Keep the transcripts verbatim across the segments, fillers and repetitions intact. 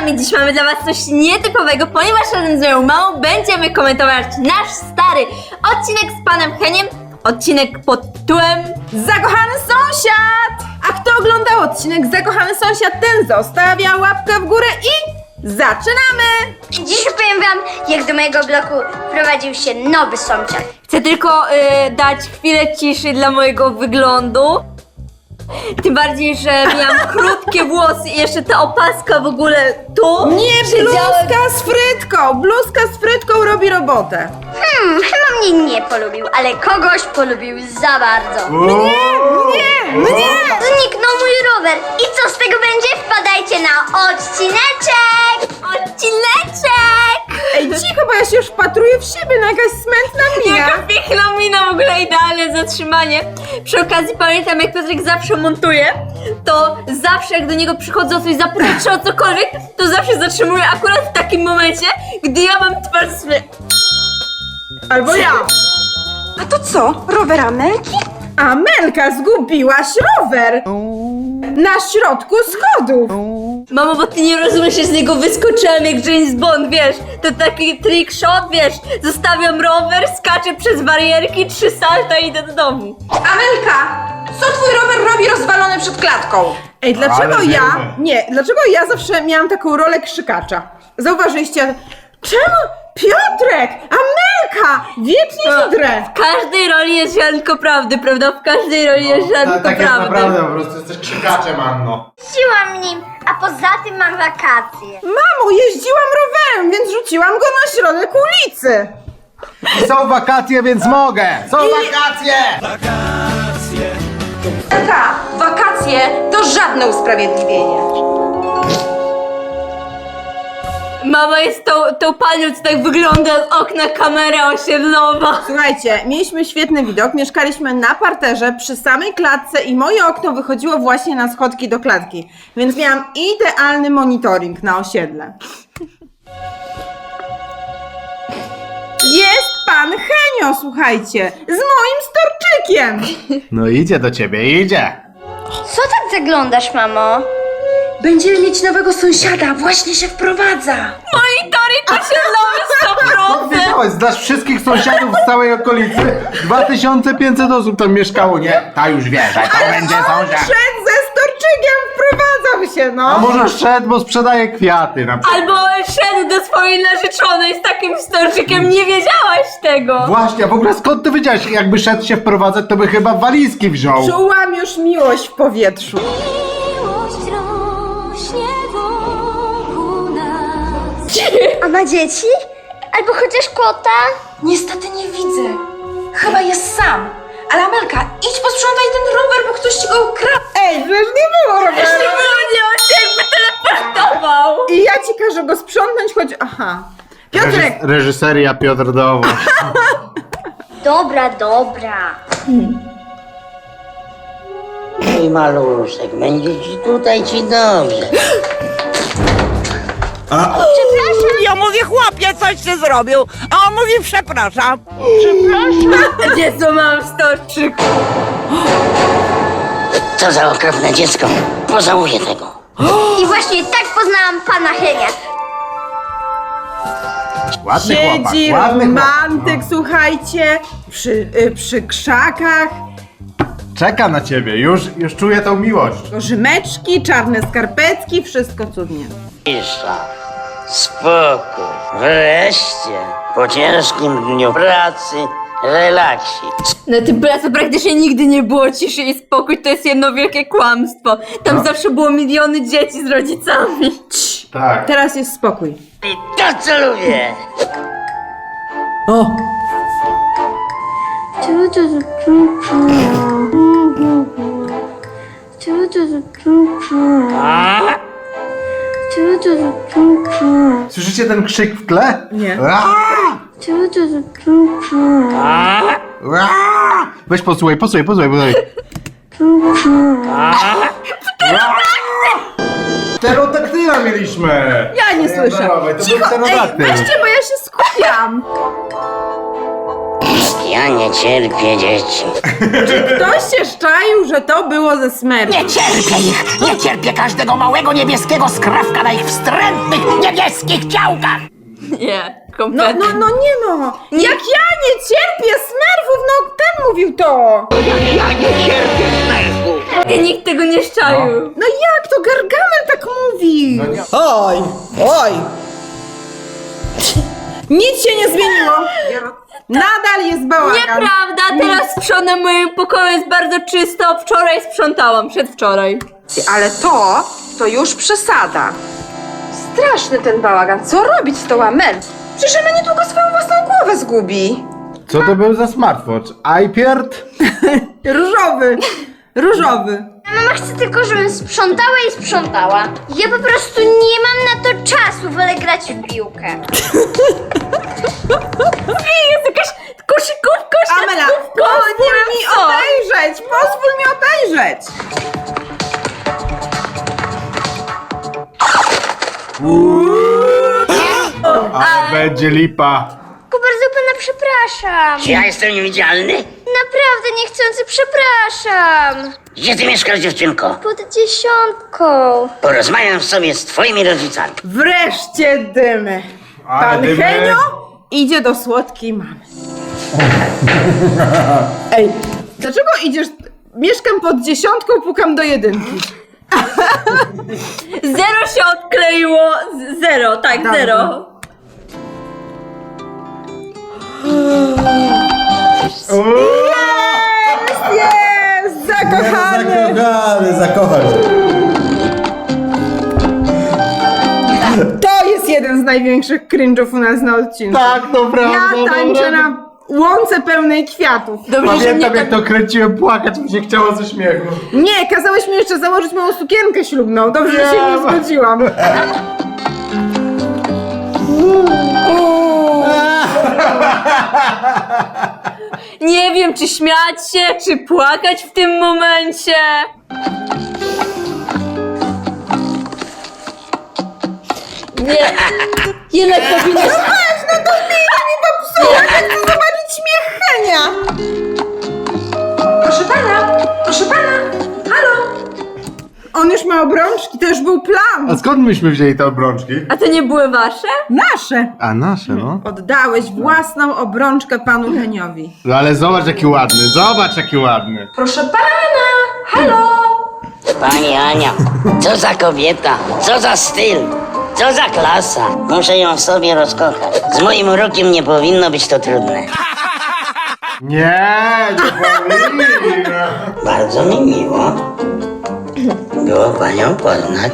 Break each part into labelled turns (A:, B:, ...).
A: kochani, dziś mamy dla was coś nietypowego, ponieważ razem z moją mamą będziemy komentować nasz stary odcinek z panem Heniem. Odcinek pod tytułem
B: Zakochany sąsiad! A kto oglądał odcinek Zakochany sąsiad, ten zostawia łapkę w górę i zaczynamy!
C: Dziś opowiem wam, jak do mojego bloku wprowadził się nowy sąsiad.
A: Chcę tylko y, dać chwilę ciszy dla mojego wyglądu. Tym bardziej, że miałam krótkie włosy i jeszcze ta opaska w ogóle tu.
B: Nie,
A: Siedziałem-
B: bluzka z frytką! Bluzka z frytką robi robotę.
C: Hmm, chyba mnie nie polubił, ale kogoś polubił za bardzo.
B: Nie, mnie!
C: Zniknął mój rower. I co z tego będzie? Wpadajcie na odcineczek!
A: Odcineczek!
B: Ej, cicho, bo ja się już wpatruję w siebie, no jakaś smętna mina.
A: Jaka piękna mina, w ogóle idealne zatrzymanie. Przy okazji pamiętam, jak Piotrek zawsze montuje, to zawsze jak do niego przychodzą coś zapytać czy o cokolwiek, to zawsze zatrzymuje akurat w takim momencie, gdy ja mam twarz sobie.
B: Albo ja.
D: A to co? Rower Amelki?
B: Amelka, zgubiłaś rower! Na środku schodów!
A: Mamo, bo ty nie rozumiesz, że z niego wyskoczyłam jak James Bond, wiesz? To taki trick shot, wiesz? Zostawiam rower, skaczę przez barierki, trzy salta i idę do domu.
D: Amelka! Co twój rower robi rozwalony przed klatką?
B: Ej, dlaczego
E: Ale
B: ja...
E: wiemy.
B: Nie, dlaczego ja zawsze miałam taką rolę krzykacza? Zauważyliście? Czemu? Piotrek! Amelka! Wiecznie się drę!
A: W każdej roli jest ziarnko prawdy, prawda? W każdej roli jest ziarnko
E: Tak, tak jest
A: prawdy.
E: naprawdę, po prostu jesteś krzykaczem, Anno.
C: Jeździłam nim, a poza tym mam wakacje.
B: Mamo, jeździłam rowerem, więc rzuciłam go na środek ulicy!
E: Są wakacje, więc mogę! Są wakacje!
D: Amelka, wakacje to żadne usprawiedliwienie.
A: Mama jest tą, tą panią, co tak wygląda z okna kamera osiedlowa.
B: Słuchajcie, mieliśmy świetny widok, mieszkaliśmy na parterze przy samej klatce i moje okno wychodziło właśnie na schodki do klatki, więc miałam idealny monitoring na osiedle. Jest pan Henio, słuchajcie, z moim storczykiem!
E: No idzie do ciebie, idzie!
C: Co tak zaglądasz, mamo?
D: Będziemy mieć nowego sąsiada, właśnie się wprowadza.
A: Monitoring osiedlowy sto procent.
E: Wiedziałeś, znasz wszystkich sąsiadów z całej okolicy? dwa tysiące pięćset osób tam mieszkało, nie? Ta już wie, że to będzie sąsiad.
B: Szedł ze storczykiem, wprowadzał się,
E: A
B: no!
E: może szedł, bo sprzedaje kwiaty na przykład.
A: Albo szedł do swojej narzeczonej z takim storczykiem, nie wiedziałaś tego.
E: Właśnie, a w ogóle skąd ty wiedziałeś, jakby szedł się wprowadzać, to by chyba walizki wziął.
B: Czułam już miłość w powietrzu.
C: A ma dzieci? Albo chociaż kota?
D: Niestety nie widzę. Chyba jest sam. Ale Amelka, idź posprzątaj ten rower, bo ktoś ci go ukradł.
B: Ej, przecież nie było roweru!
A: Nie on się jakby teleportował.
B: I ja ci każę go sprzątnąć, choć... Aha. Piotrek!
E: Reżys- reżyseria Piotr Dowoś.
C: Dobra, dobra.
F: Mój maluszek, będzie ci tutaj ci dobrze.
G: Ja mówię, chłopie, coś ty zrobił, a on mówi, przepraszam.
A: Gdzie co mam storczyk?
F: Co za okropne dziecko. Pożałuję tego.
C: I właśnie tak poznałam pana Henia.
E: Ładny chłopak,
B: Siedzi
E: ładny
B: romantyk,
E: chłopak.
B: słuchajcie, przy, y, przy krzakach,
E: Czeka na ciebie, już, już czuję tą miłość.
B: rzymeczki, czarne skarpetki, wszystko cudnie.
F: Cisza, spokój, wreszcie, po ciężkim dniu pracy, relaksik.
A: Na tym placu praktycznie nigdy nie było ciszy i spokój, to jest jedno wielkie kłamstwo. Tam
E: No.
A: zawsze było miliony dzieci z rodzicami.
E: Tak.
B: Teraz jest spokój.
F: I to co lubię.
E: Słyszycie ten krzyk w tle?
B: Nie.
E: Aaa! Aaa! Weź posłuchaj, posłuchaj, posłuchaj, posłuchaj. Aaa! Pterodaktyla mieliśmy!
B: Ja nie słyszę.
E: Dawaj, to był
B: Cicho, ej,
E: pterodaktyl.
B: weźcie, bo ja się skupiam.
F: Ja nie cierpię dzieci.
B: Ktoś się szczaił, że to było ze Smurfów.
G: Nie cierpię ich! Nie cierpię każdego małego niebieskiego skrawka na ich wstrętnych niebieskich ciałkach!
A: Nie,
B: No,
A: kompletnie.
B: no, no nie no! Jak ja nie cierpię Smurfów, no ten mówił to!
G: Ja nie cierpię smerfu!
A: I nikt tego nie szczaił.
B: No jak to Gargamel tak mówi?
H: Oj, oj!
B: Nic się nie zmieniło! Nadal jest bałagan.
A: Nieprawda, teraz sprzątam w moim pokoju, jest bardzo czysto. Wczoraj sprzątałam, przedwczoraj.
D: Ale to, to już przesada. Straszny ten bałagan. Co robić z tą Amel? Przecież ona niedługo swoją własną głowę zgubi.
E: Co to był za smartwatch? iPad?
B: Różowy. Różowy.
C: Mama chce tylko, żebym sprzątała i sprzątała. Ja po prostu nie mam na to czasu, wolę grać w piłkę.
A: Ej, jest jakaś koszykówka,
B: Amela,
A: siatkówka,
B: pozwól
A: nie wiem
B: mi
A: co.
B: obejrzeć! Pozwól mi obejrzeć!
E: A będzie lipa.
C: Tylko bardzo pana przepraszam.
F: Czy ja jestem niewidzialny?
C: Naprawdę niechcący przepraszam.
F: Gdzie ty mieszkasz, dziewczynko?
C: Pod dziesiątką.
F: Porozmawiam sobie z twoimi rodzicami.
B: Wreszcie dymy.
E: Ale
B: Pan
E: dymy.
B: Henio idzie do słodkiej mamy. Ej, dlaczego idziesz? Mieszkam pod dziesiątką, pukam do jedynki.
A: Zero się odkleiło, z- zero, tak,
B: Dobrze.
A: zero.
B: Jest! Zakochany!
H: Zakochany, zakochać.
B: To jest jeden z największych cringe'ów u nas na odcinku.
E: Tak, to prawda.
B: Ja tańczę
E: dobra.
B: na łące pełnej kwiatów.
A: Dobrze, że
E: Pamiętam
A: mnie
E: jak
A: tak...
E: to kręciłem, płakać mi się chciało ze śmiechu.
B: Nie, kazałeś mi jeszcze założyć moją sukienkę ślubną. Dobrze, że się nie
E: Nie.
B: zgodziłam.
A: Nie wiem, czy śmiać się, czy płakać w tym momencie. Nie, jednak powinnaś...
B: Popsuła, ja chcę zobaczyć śmiech Henia.
D: Proszę pana, proszę pana. Halo?
B: On już ma obrączki, to już był plan.
E: A skąd myśmy wzięli te obrączki?
A: A to nie były wasze?
B: Nasze.
E: A nasze, no.
B: Oddałeś własną obrączkę panu Heniowi.
E: No ale zobacz jaki ładny, zobacz jaki ładny.
D: Proszę pana. Halo?
F: Pani Ania, co za kobieta, co za styl, co za klasa. Muszę ją w sobie rozkochać. Z moim urokiem nie powinno być to trudne.
E: Nie, nie powinien.
F: Bardzo mi miło było panią poznać.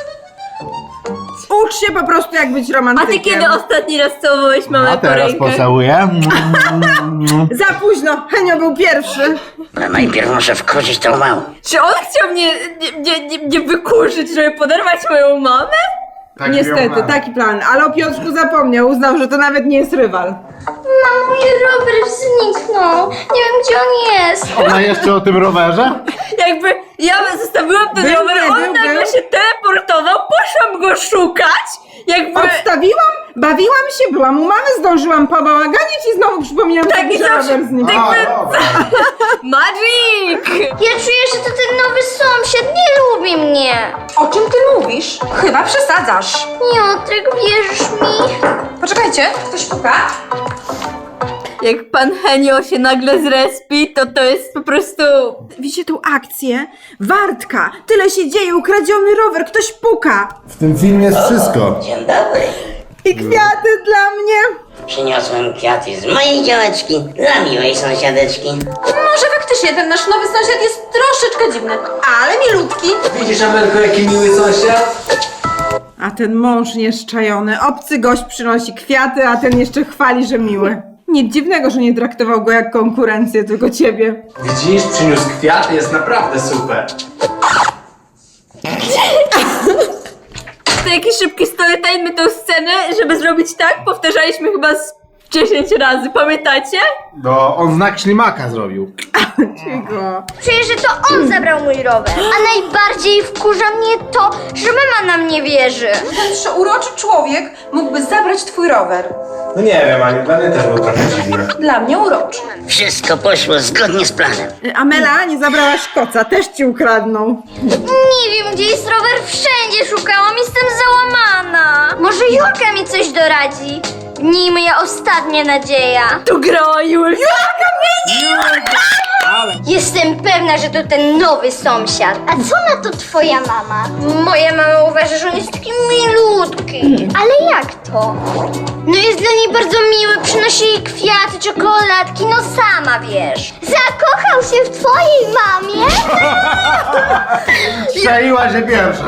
B: Ucz się po prostu jak być
A: A
B: romantykiem.
A: ty kiedy ostatni raz całowałeś mamę
E: A
A: po
E: teraz
A: rękach?
E: pocałuję.
B: Za późno, Henio był pierwszy.
F: Ale najpierw muszę wkurzyć tą małą.
A: Czy on chciał mnie nie, nie, nie, nie wykurzyć, żeby poderwać moją mamę?
E: Tak
B: Niestety,
E: miał plan.
B: taki plan. Ale o Piotrku zapomniał, uznał, że to nawet nie jest rywal.
C: Mamo, mój rower zniknął. Nie wiem, gdzie on jest.
E: Ona jeszcze o tym rowerze?
A: Jakby ja zostawiłam ten
B: Był,
A: rower,
B: nie,
A: on
B: był,
A: nagle
B: był.
A: się teleportował, poszłam go szukać, jakby...
B: Odstawiłam, bawiłam się, byłam u mamy, zdążyłam pobałaganić i znowu przypominam
A: Tak,
B: sobie,
A: i
B: że
A: zawsze-
B: rower zniknął.
A: tak-
E: A, dobra.
A: Magic!
C: Ja czuję, że to ten nowy sąsiad nie lubi mnie.
D: O czym ty mówisz? Chyba przesadzasz.
C: Piotrek, wierzysz mi?
D: Poczekajcie, ktoś puka?
A: Jak pan Henio się nagle zrespi, to to jest po prostu...
B: Widzicie tą akcję? Wartka, tyle się dzieje, ukradziony rower, ktoś puka.
H: W tym filmie jest wszystko.
F: Dzień dobry.
B: I kwiaty dla mnie.
F: Przyniosłem kwiaty z mojej działeczki dla miłej sąsiadeczki.
D: Może faktycznie ten nasz nowy sąsiad jest troszeczkę dziwny, ale milutki.
H: Widzisz, Amelko, jaki miły sąsiad?
B: A ten mąż nieszczajony, obcy gość przynosi kwiaty, a ten jeszcze chwali, że miły. Nic dziwnego, że nie traktował go jak konkurencję, tylko ciebie.
I: Widzisz, przyniósł kwiaty, jest naprawdę super.
A: To jakiś szybki storytime, my tą scenę, żeby zrobić tak, powtarzaliśmy chyba z dziesięć razy, pamiętacie?
E: No, on znak ślimaka zrobił.
B: Cicho.
C: Czuję, że to on zabrał mój rower. A najbardziej wkurza mnie to, że mama nam nie wierzy.
D: Ten przeuroczy człowiek mógłby zabrać twój rower.
I: No nie wiem, Aniu, dla mnie też było trochę dziwne.
D: Dla mnie uroczy.
F: Wszystko poszło zgodnie z planem.
B: Amela, nie zabrałaś koca, też ci ukradną.
C: Nie wiem, gdzie jest rower, wszędzie szukałam, jestem załamana. Może Julka mi coś doradzi? Nie moja ostatnia nadzieja.
A: Tu grała Julia.
C: Jestem pewna, że to ten nowy sąsiad. A co na to twoja mama? Moja mama uważa, że on jest taki milutki. Ale jak to? No jest dla niej bardzo miły, przynosi jej kwiaty, czekoladki, no sama wiesz. Zakochał się w twojej mamie?
E: Strzeliła się pierwsza.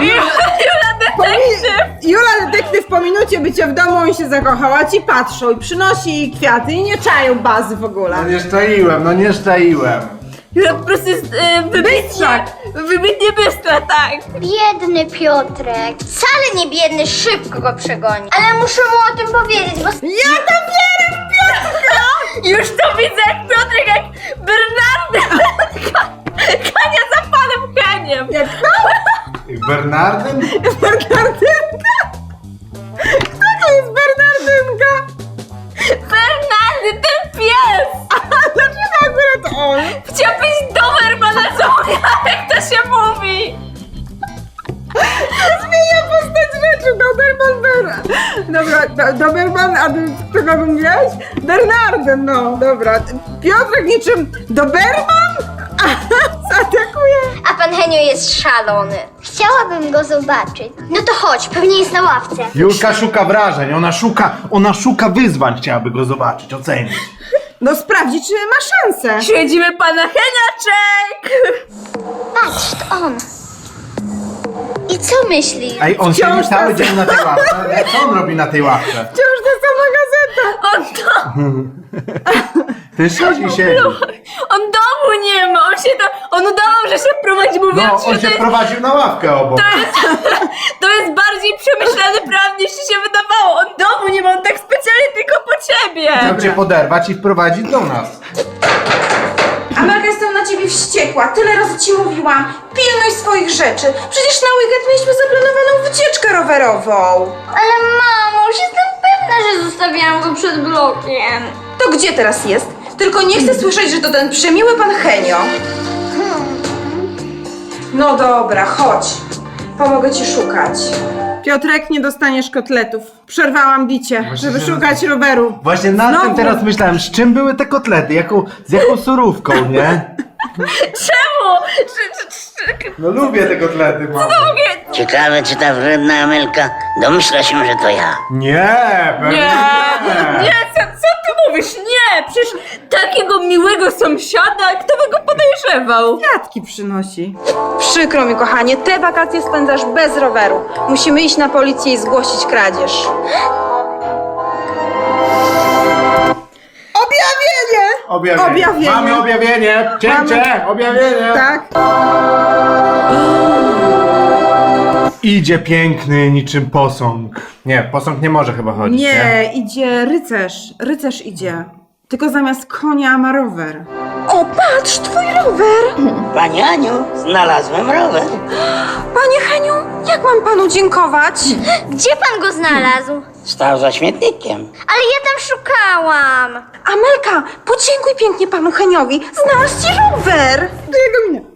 B: Jula detektyw po minucie bycia w domu, on się zakochał, a ci patrzą i przynosi jej kwiaty i nie czają bazy w ogóle.
E: No nie szczaiłem, no nie szczaiłem.
A: Jula po prostu jest e, wybitna. Wybitnie bystra, tak.
C: Biedny Piotrek. Wcale nie biedny, szybko go przegoni. Ale muszę mu o tym powiedzieć, bo...
B: Ja to wierzę w Piotrka!
A: Już to widzę jak Piotrek, jak Bernardy. Kania za panem Kaniem.
B: Jak to?
E: Bernardyn?
B: Bernardynka? Kto to jest Bernardynka?
A: Bernardy, ten pies.
B: A dlaczego akurat on?
A: Chciał być Dobermana, co jak to się mówi.
B: Zmienia postać rzeczy, Doberman Ber... Dobra, do, Doberman, a ty kogo mówiłaś? Bernardyn, no, dobra. Piotrek niczym Doberman? Zaatakuje.
C: A pan Henio jest szalony. Chciałabym go zobaczyć. No to chodź, pewnie jest na ławce.
E: Julka szuka wrażeń, ona szuka, ona szuka wyzwań, chciałaby go zobaczyć, ocenić.
B: No sprawdzi, czy ma szansę.
A: Śledzimy pana Heniaczek.
C: Patrz, to on. I co myślisz?
E: Ej, on
B: Wciąż
E: siedzi cały
B: ta-
E: dzień na tej ławce. Ej, co on robi na tej ławce?
B: Wciąż ta sama gazeta.
A: On to...
E: Ty siedzi, siedzi.
A: On domu nie ma, on się to... On udawał, że się prowadzi, mówiąc,
E: No,
A: że
E: on
A: to
E: się
A: jest...
E: prowadził na ławkę obok.
A: To jest, to jest bardziej przemyślany plan niż ci się wydawało. On domu nie ma, on tak specjalnie tylko po ciebie.
E: Chciał cię poderwać i wprowadzić do nas.
D: Amelka, jestem na ciebie wściekła. Tyle razy ci mówiłam. Pilnuj swoich rzeczy. Przecież na weekend mieliśmy zaplanowaną wycieczkę rowerową.
C: Ale mamo, już jestem pewna, że zostawiłam go przed blokiem.
D: To gdzie teraz jest? Tylko nie chcę słyszeć, że to ten przemiły pan Henio. No dobra, chodź. Pomogę ci szukać.
B: Piotrek, nie dostaniesz kotletów. Przerwałam bicie,
E: Właśnie
B: żeby
E: się-
B: szukać roweru.
E: Właśnie nad
B: Znowu.
E: tym teraz myślałem, z czym były te kotlety, jaką, z jaką surówką, nie?
A: Czemu? Czy, czy, czy,
E: No lubię te kotlety, mamo.
F: Ciekawe, czy ta wredna Amelka domyśla się, że to ja.
E: Nie, pewnie
A: nie, nie, co, co ty mówisz? Nie, przecież takiego miłego sąsiada, kto by go podejrzewał?
B: Kwiatki przynosi.
D: Przykro mi, kochanie, te wakacje spędzasz bez roweru. Musimy iść na policję i zgłosić kradzież.
B: Objawienie!
E: Objawienie.
B: Objawienie.
E: Mamy objawienie. Cięcie, objawienie.
B: Tak?
E: Idzie piękny niczym posąg. Nie, posąg nie może chyba chodzić, nie?
B: Nie, idzie rycerz. Rycerz idzie. Tylko zamiast konia ma rower.
D: O, patrz, twój rower!
F: Pani Aniu, znalazłem rower.
D: Panie Heniu, jak mam panu dziękować?
C: Gdzie pan go znalazł?
F: Stał za śmietnikiem.
C: Ale ja tam szukałam.
D: Amelka, podziękuj pięknie panu Heniowi. Znalazł ci rower!
B: Jego mnie.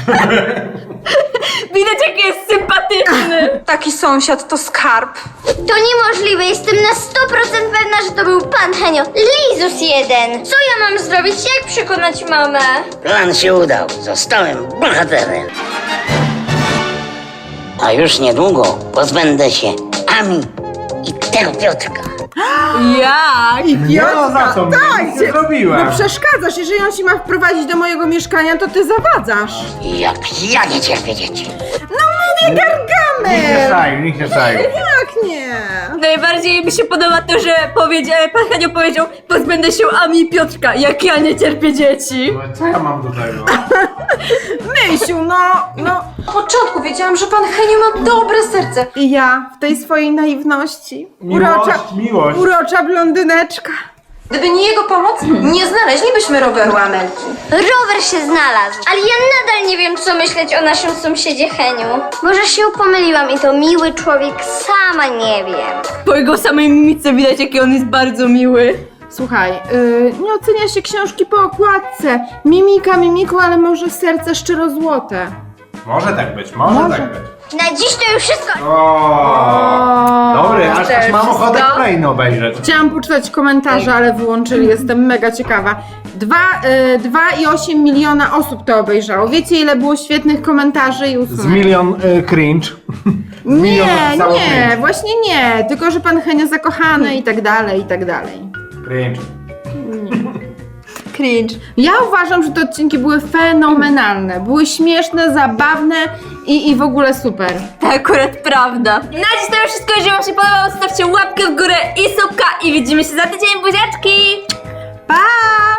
A: Widać, jaki jest sympatyczny.
D: Taki sąsiad to skarb.
C: To niemożliwe, jestem na sto procent pewna, że to był pan Henio. Lizus jeden. Co ja mam zrobić? Jak przekonać mamę?
F: Plan się udał. Zostałem bohaterem. A już niedługo pozbędę się Ami i tego Piotrka.
A: Jak?
B: I
E: Nie no, za co mnie?
B: tak,
E: Nic nie
B: cię-
E: zrobiłem.
B: No przeszkadzasz, jeżeli on ci ma wprowadzić do mojego mieszkania, to ty zawadzasz.
F: Jak ja nie cierpię dzieci.
B: No mówię,
E: Nikt nie
B: Gargamel!
E: szaił, nikt nie szaił.
B: Jak nie?
A: Najbardziej mi się podoba to, że powiedział, pan Henio powiedział, pozbędę się Ami i Piotrka, jak ja nie cierpię dzieci.
E: No, co ja mam do tego?
B: Myśl, no, no.
D: Od początku wiedziałam, że pan Henio ma dobre serce.
B: I ja w tej swojej naiwności.
E: Miłość,
B: urocza,
E: miłość.
B: urocza blondyneczka.
D: Gdyby nie jego pomoc, nie znaleźlibyśmy roweru Amelki.
C: Rower się znalazł, ale ja nadal nie wiem, co myśleć o naszym sąsiedzie Heniu. Może się pomyliłam i to miły człowiek, sama nie wiem.
A: Po jego samej mimice widać, jaki on jest bardzo miły.
B: Słuchaj, yy, nie ocenia się książki po okładce. Mimika mimiką, ale może serce szczerozłote.
I: Może tak być, może,
B: Może.
I: tak być.
C: Na dziś to już wszystko.
I: O, dobry, aż, aż mam
A: wszystko?
I: ochotę kolejny obejrzeć.
B: Chciałam poczytać komentarze, ale wyłączyli, jestem mega ciekawa. Dwa, yy, dwa i osiem miliona osób to obejrzało. Wiecie, ile było świetnych komentarzy i
E: Z
B: usunek?
E: milion y, cringe.
B: Nie,
E: milion napisało
B: nie,
E: cringe.
B: właśnie nie. Tylko, że pan Henio zakochany i tak dalej, i tak dalej.
I: Cringe.
A: Cringe.
B: Ja uważam, że te odcinki były fenomenalne. Były śmieszne, zabawne i, i w ogóle super.
A: To akurat prawda. Na dziś to już wszystko. Jeżeli wam się podobało, zostawcie łapkę w górę i subka i widzimy się za tydzień. Buziaczki!
B: Pa!